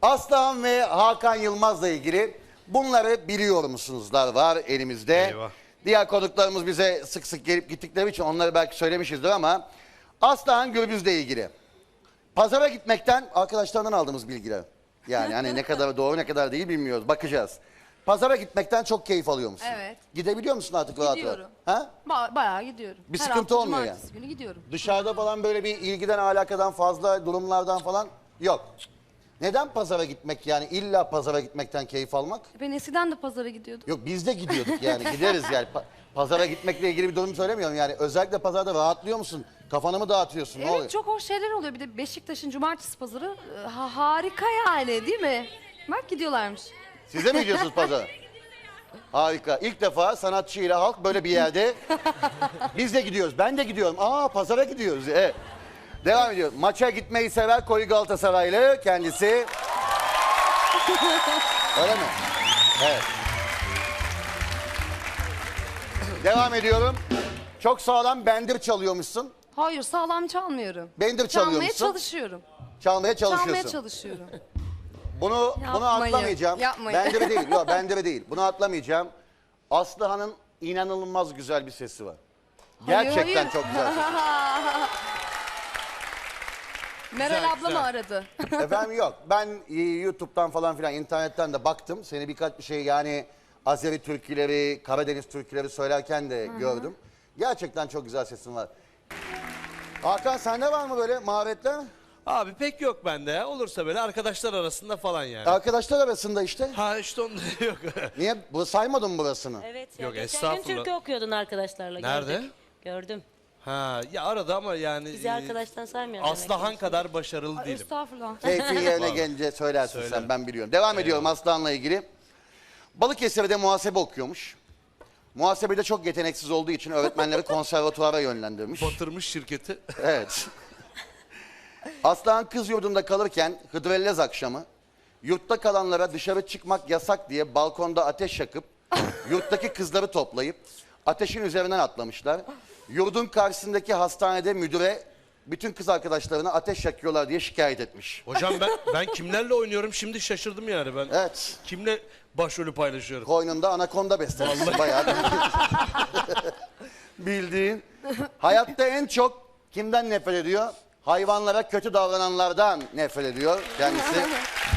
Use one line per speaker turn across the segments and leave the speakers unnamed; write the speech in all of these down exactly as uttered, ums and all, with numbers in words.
Aslıhan ve Hakan Yılmaz'la ilgili bunları biliyor musunuzlar var elimizde.
Eyvah.
Diğer konuklarımız bize sık sık gelip gittikleri için onları belki söylemişizdir ama Aslıhan Gürbüz'le ilgili. Pazara gitmekten arkadaşlarından aldığımız bilgiler. Yani hani ne kadar doğru ne kadar değil bilmiyoruz. Bakacağız. Pazara gitmekten çok keyif alıyor musun?
Evet.
Gidebiliyor musun artık rahat rahat?
Gidiyorum.
Ha?
Ba- bayağı gidiyorum.
Bir
Her
sıkıntı
hafta
olmuyor
cumartesi günü gidiyorum.
Dışarıda falan böyle bir ilgiden alakadan fazla durumlardan falan yok. Neden pazara gitmek yani illa pazara gitmekten keyif almak?
Ben eskiden de pazara gidiyordum.
Yok biz de gidiyorduk yani gideriz yani. Pa- pazara gitmekle ilgili bir durum söylemiyorum yani. Özellikle pazarda rahatlıyor musun? Kafanı mı dağıtıyorsun? Ne oluyor?
Evet, çok hoş şeyler oluyor. Bir de Beşiktaş'ın cumartesi pazarı e, ha- harika yani, değil mi? Bak gidiyorlarmış.
Siz de mi gidiyorsunuz pazara? Harika. İlk defa sanatçı ile halk böyle bir yerde. Biz de gidiyoruz. Ben de gidiyorum. Aa pazara gidiyoruz. Evet. Devam ediyor. Maça gitmeyi sever koyu Galatasaraylı kendisi. Öyle mi? Evet. Devam ediyorum. Çok sağlam bendir çalıyormuşsun.
Hayır, sağlam çalmıyorum.
Bendir
Çalmaya
çalıyormuşsun.
çalışıyorum.
Çalmaya çalışıyorsun.
Çalmaya çalışıyorum.
Bunu bunu
Yapmayın,
atlamayacağım.
yapmayın.
Bendire değil. Yok bendire değil. Bunu atlamayacağım. Aslıhan'ın inanılmaz güzel bir sesi var. Gerçekten
Hayır, hayır.
çok güzel sesi.
Meral
Güzel,
abla mı
güzel.
aradı?
Efendim yok. Ben e, YouTube'dan falan filan internetten de baktım. Seni birkaç bir şey yani Azeri türküleri, Karadeniz türküleri söylerken de gördüm. Gerçekten çok güzel sesin var. Hakan sende var mı böyle maharetler?
Abi pek yok bende ya. Olursa böyle arkadaşlar arasında falan yani.
Arkadaşlar arasında işte.
Ha işte onda yok.
Niye? Bu saymadın mı burasını?
Evet ya.
Yok,
Geçen
estağfurullah.
gün türkü okuyordun arkadaşlarla.
Nerede?
Gördük. Gördüm.
Ha ya arada ama yani.
Bizi
e,
arkadaştan saymıyorum. demek
Aslıhan
ki.
kadar başarılı
Ay,
değilim.
estağfurullah.
Keyfin yerine gelince söylersin sen
Söylerim.
ben biliyorum. Devam ediyorum Aslan'la ilgili. Balıkesir'de muhasebe okuyormuş. Muhasebede çok yeteneksiz olduğu için öğretmenleri konservatuvara yönlendirmiş.
Batırmış şirketi.
Evet. Aslan kız yurdunda kalırken Hıdrellez akşamı yurtta kalanlara dışarı çıkmak yasak diye balkonda ateş yakıp yurttaki kızları toplayıp ateşin üzerinden atlamışlar. Yurdun karşısındaki hastanede müdüre bütün kız arkadaşlarına ateş yakıyorlar diye şikayet etmiş.
Hocam ben ben kimlerle oynuyorum şimdi şaşırdım yani ben.
Evet.
Kimle başrolü paylaşıyorum?
Koynunda anakonda beslemişsin bayağı. Bildiğin. Hayatta en çok kimden nefret ediyor? Hayvanlara kötü davrananlardan nefret ediyor kendisi.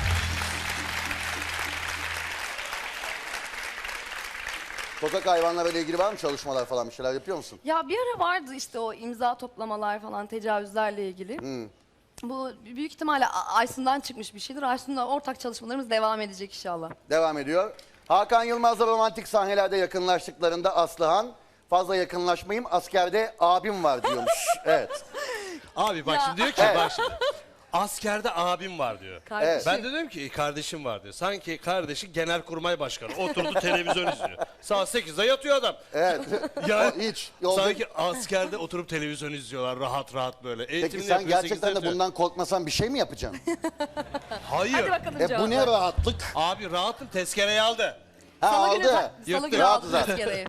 Sokak hayvanlarıyla ilgili var mı çalışmalar falan bir şeyler yapıyor musun?
Ya bir ara vardı işte o imza toplamalar falan tecavüzlerle ilgili.
Hmm.
Bu büyük ihtimalle A- Aysun'dan çıkmış bir şeydir. Aysun'la ortak çalışmalarımız devam edecek inşallah.
Devam ediyor. Hakan Yılmaz'la romantik sahnelerde yakınlaştıklarında Aslıhan fazla yakınlaşmayayım askerde abim var diyormuş. Evet.
Abi bak
Ya.
şimdi diyor ki
Evet.
bak şimdi. Askerde abim var diyor.
Kardeşim.
Ben de dedim ki kardeşim var diyor. Sanki kardeşi genelkurmay başkanı. Oturdu televizyon izliyor. Saat sekizde yatıyor adam.
Evet.
Ya
Hiç. Yolda...
sanki askerde oturup televizyon izliyorlar rahat rahat böyle.
Peki
Eğitimini
sen
yapıyor,
gerçekten
sekizde
de
yatıyor.
bundan korkmasan bir şey mi yapacaksın?
Hayır.
Hadi bakalım
e bu
cevap
ne
ver.
rahatlık?
Abi rahatım tezkereyi aldı.
Ha
Salı
aldı.
günü, ta- Salı
Yırttı.
günü
Rahat
aldı
zaten.
tezkereyi.